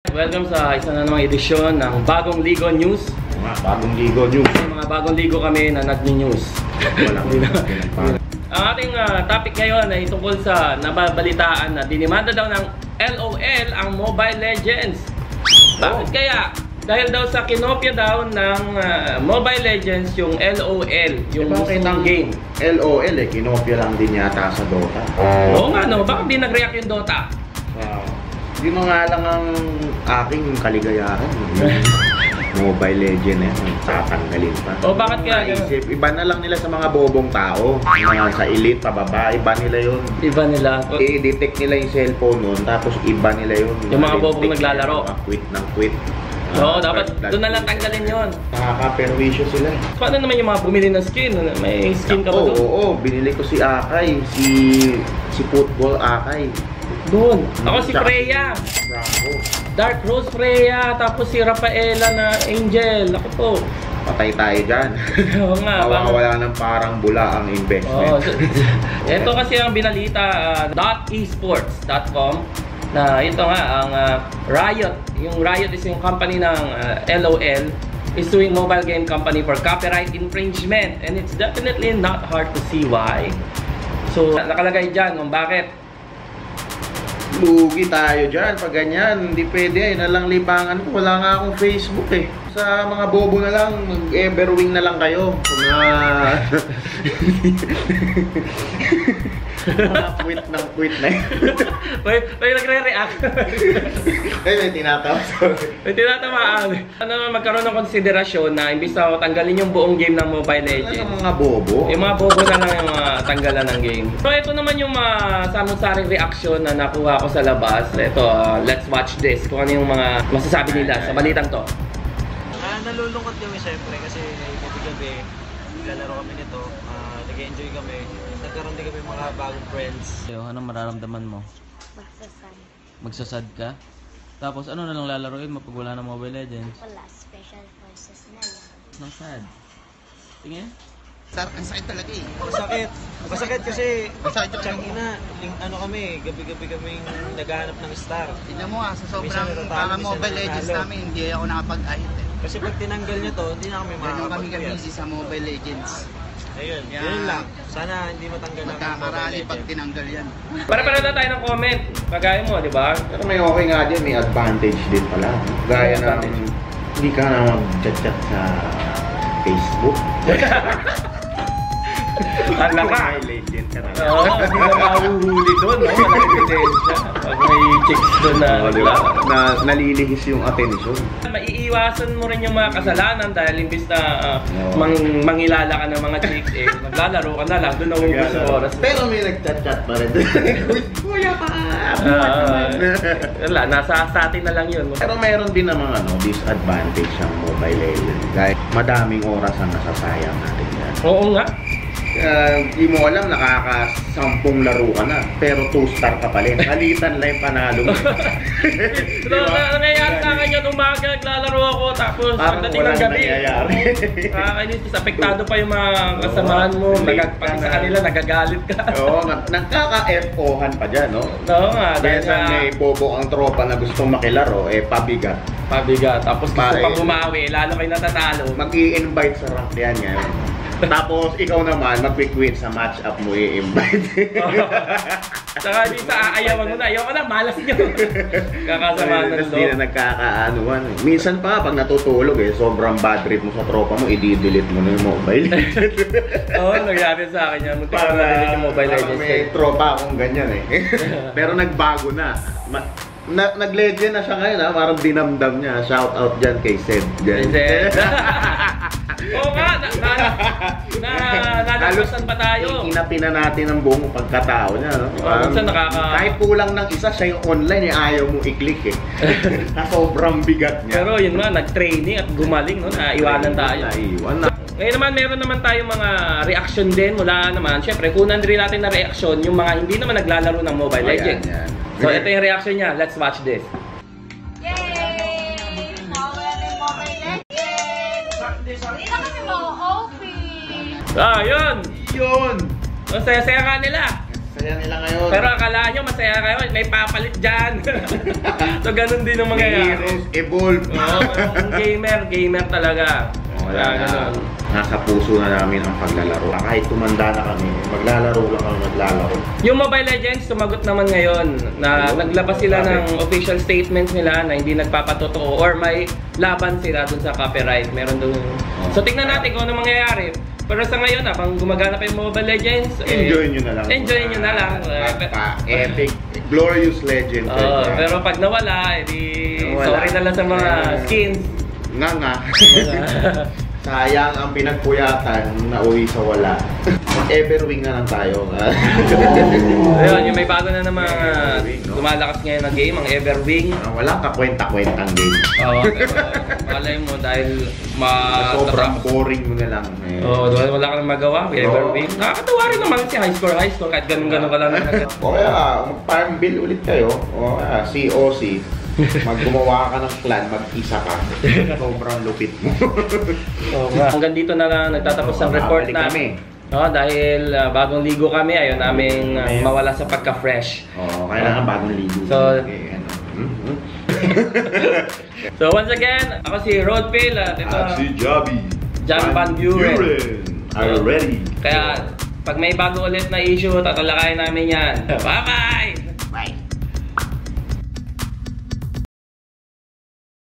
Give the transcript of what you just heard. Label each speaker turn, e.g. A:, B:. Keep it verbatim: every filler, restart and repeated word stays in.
A: Welcome sa isa na namang edisyon ng Bagong Ligo News.
B: Mga Bagong Ligo News.
A: Mga Bagong Ligo kami na nag-news. Ang ating uh, topic ngayon ay tungkol sa nababalitaan na dinimanda daw ng L O L ang Mobile Legends. Bakit oh. kaya? Dahil daw sa kinopya daw ng uh, Mobile Legends yung L O L, yung
B: ng game. L O L eh, kinopya lang din yata sa Dota.
A: Oo nga no, bakit di nag-react yung Dota?
B: Wow. Yun nga lang ang aking kaligayahan. Mobile Legend eh, tatanggalin pa.
A: O bakit kaya?
B: Naisip, iba na lang nila sa mga bobong tao. Mga sa elite, pababa, iba nila yun.
A: Iba nila?
B: I-detect nila yung cellphone nun, tapos iba nila yun.
A: Yung mga bobong naglalaro?
B: Quit ng quit.
A: Oo, uh, dapat doon na lang tanggalin yun.
B: Nakaka-perwisyo sila.
A: Paano naman yung mga bumili ng skin? May skin ka ba doon?
B: Oo, oo, binili ko si Akay, si si Football Akay.
A: Doon. Ako si Freya.
B: Bravo.
A: Dark Rose Freya, tapos si Rafaela na Angel. Ako po.
B: Patay tayo dyan.
A: Oo nga.
B: Mawawala ng parang bula ang investment.
A: Oo. So, ito kasi ang binalita, uh, .esports dot com. Na ito nga, ang uh, Riot. Yung Riot is yung company ng uh, L O L. Is suing mobile game company for copyright infringement. And it's definitely not hard to see why. So, nakalagay dyan kung bakit.
B: Lugi tayo dyan pag ganyan. Hindi pwede. Ayun na lang libangan ko. Wala nga akong Facebook eh. Sa mga bobo na lang, mag-everwing na lang kayo. Mga... mga quit ng quit na yun.
A: May, may nagre-react.
B: Ay, may tinatawa.
A: May tinatamaan. Ano naman magkaroon ng konsiderasyon na imbis na tanggalin yung buong game ng Mobile Legends.
B: Ano mga bobo?
A: Yung mga bobo na lang yung uh, tanggalan ng game. So ito naman yung mga uh, samot-saring reaction na nakuha ko sa labas. Ito, uh, let's watch this. Kung ano yung mga masasabi nila sa balitang to.
C: Ah, nalulungkot kami siyempre kasi gabi-gabi naglalaro kami nito. Uh, nag-enjoy kami. Nagkaroon din kami mga bagong friends.
A: So, anong mararamdaman mo?
D: Magsasad.
A: Magsasad ka? Tapos ano na lang lalaroin mo pag wala ng Mobile Legends?
D: Wala, special forces na lang.
A: Anong sad? Tingin?
E: Sarap, ang sakit talaga eh.
C: Masakit. Masakit kasi
E: Masakit yung
C: tiyang ina, ano kami, gabi-gabi kaming naghahanap ng star.
E: Tignan mo ah, sa sobrang
C: Minsan natatalo,
E: mga
C: minsan
E: Mobile Legends
C: nanalo.
E: namin, hindi ako nakapag-ahit eh.
C: Kasi pag tinanggal niya to, hindi na kami
E: Ganun kami
C: makakapag-yes.
E: busy sa Mobile Legends.
C: Ayun,
E: Kaya,
C: yun lang. Sana hindi matanggal na
E: Magkakarali pag tinanggal yan.
A: Para-para na tayo ng comment. Kagaya mo, di ba?
B: Pero may okay nga din, may advantage din pala. Gaya ng hindi ka na mag-chat-chat sa Facebook.
A: Ang laka.
B: Mobile Legend ka na.
A: Oo, hindi na mahuhuli doon. No? Walang ebidensya. Pag may chicks doon na,
B: Oo, diba? na nalilihis yung attention.
A: Maiiwasan mo rin yung mga kasalanan dahil imbis na uh,
B: Oo.
A: mang, mangilala ka ng mga chicks, eh, maglalaro ka na lang. Doon nauubos yung oras.
B: Pero may nag-chat-chat pa rin. Kuya pa!
A: Uh, wala, nasa sa atin na lang yun.
B: Pero mayroon din namang ano, disadvantage ang Mobile Legends. Dahil madaming oras ang nasasayang natin yan.
A: Oo nga.
B: Uh, di mo alam, nakakasampung laro ka na, pero two-star ka pa rin. Halitan lang yung panalo mo.
A: So, nangyayari sa akin yun, umaga, naglalaro ako, tapos
B: Parang
A: pagdating ng
B: walang
A: gabi,
B: nangyayari.
A: nakakainis, apektado pa yung mga kasamahan mo, nagag, pati sa kanila, nagagalit ka.
B: Oo, nagkaka-F O-han pa dyan, no?
A: Oo nga, dahil
B: Kaya
A: sa
B: may bobo ang tropa na gustong makilaro, eh, pabigat.
A: pabigat, tapos gusto
B: Pare.
A: pang bumawi, lalo kayo natatalo.
B: Mag-i-invite sa rank yan ngayon. Tapos ikaw naman, mag-quit sa match-up mo i-invite.
A: Saka di sa aayawan mo na, ayaw ko na, malas nyo. Kakasama na
B: Tapos di na nagkakaanuan. Minsan pa, pag natutulog eh, sobrang bad trip mo sa tropa mo, i-delete mo na yung Mobile Legends.
A: Oo, nangyari sa akin yan. Muntik ko na yung Mobile Legends.
B: May tropa akong ganyan eh. Pero nagbago na. Ma na Nag-legend na siya ngayon ha, parang dinamdam niya. Shout out dyan kay Sed.
A: Sed. Oo nga, na, na, na, nalagpasan pa tayo.
B: Inapina natin ang buong pagkatao niya. No?
A: Oh, minsan nakaka...
B: Kahit kulang ng isa, siya yung online eh, ayaw mo i-click eh. Na sobrang bigat niya.
A: Pero yun nga, nag-training at gumaling, no? Naiwanan tayo.
B: Naiwan na.
A: Ngayon naman, meron naman tayong mga reaction din mula naman. Siyempre, kunan rin natin na reaction yung mga hindi naman naglalaro ng Mobile
B: Oh,
A: Legends.
B: yan, yan.
A: So, ito yung reaction niya. Let's watch this.
D: Yay! Mawala na yung Mobile Legends! Hindi na kami ma-O P.
A: Ah, yun!
B: Yun!
A: Ang saya-saya nga nila.
B: Saya nila ngayon.
A: Pero akala nyo masaya kayo, may papalit dyan. So ganun din ang mangyayari.
B: Heroes evolve.
A: Oo, yung gamer, gamer talaga.
B: Wala na.
A: ganun.
B: Nasa puso na namin ang paglalaro. Kahit tumanda na kami, maglalaro lang kami, maglalaro.
A: Yung Mobile Legends, sumagot naman ngayon na
B: Ayun,
A: naglabas sila
B: sabi.
A: ng official statements nila na hindi nagpapatotoo or may laban sila dun sa copyright. Meron dun. So tingnan natin kung ano mangyayari. Pero sa ngayon, habang gumagana pa yung Mobile Legends, eh,
B: Enjoy nyo na lang.
A: Enjoy nyo na lang.
B: Epic, glorious legend.
A: Oo, pero pag nawala, edi
B: Nawala.
A: sorry na lang sa mga skins.
B: Nga nga. Sayang ang pinagpuyatan na uwi sa wala. Everwing na lang tayo.
A: Ayun, yung may bago na naman
B: Everwing, no?
A: lumalakas ngayon na game, ang Everwing.
B: Ah, Walang kakwenta-kwentang game.
A: Oo, pero malay mo dahil ma...
B: Sobrang boring mo na lang. Eh.
A: Oo, oh, wala ka nang magawa, Everwing. Nakakatawa rin naman si high score, high score, kahit ganun-ganun ka lang.
B: O kaya, mag-farm bill ulit kayo. O kaya, C O C. Maggumawa ka ng clan, mag-isa ka. Sobrang lupit mo.
A: Oo nga. Hanggang dito na lang nagtatapos ang
B: Oo,
A: report
B: nakabalik
A: namin. Oh, dahil uh, bagong ligo kami, ayaw namin uh, mawala sa pagka-fresh.
B: Oo, kailangan bagong ligo.
A: So-
B: Okay, ano. Mhm.
A: So once again, ako si Rodfield at ito
B: At si Javi.
A: Jan Van Buren.
B: Are ready.
A: Kaya pag may bago ulit na issue, tatalakayin namin yan. Bye-bye!